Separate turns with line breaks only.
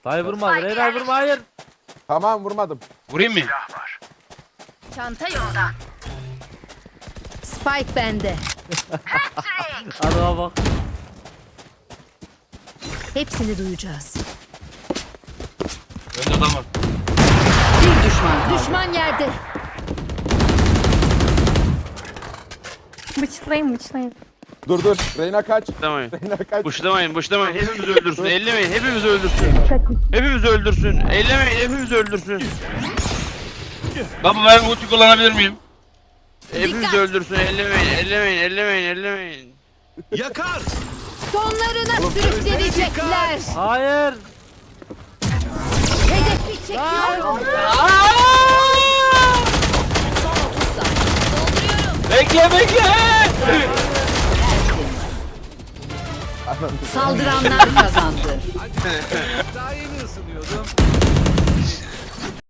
Hayır vurma. Reyna vurma hayır.
Tamam vurmadım.
Vurayım mı?
Çanta yolda. Spike bende.
Adama bak.
Hepsini duyacağız.
Önde adam var.
Bir düşman kaldı.
Düşman yerde.
Bıçlayın bıçlayın.
Dur dur. Reyna kaç.
Buşlamayın.
Reyna kaç.
Buşlamayın. Hepimizi öldürsün. Ellemeyin. Hepimizi öldürsün. Hepimizi öldürsün. Ellemeyin. Hepimizi öldürsün. Baba ben ulti kullanabilir miyim? Hepimizi öldürsün. Ellemeyin.
Yakar.
Sonlarına sürükleyecekler.
Hayır.
Hedefi çekiyorum.
Bekle.
Saldıranlar kazandı.
Daha yeni ısınıyordum.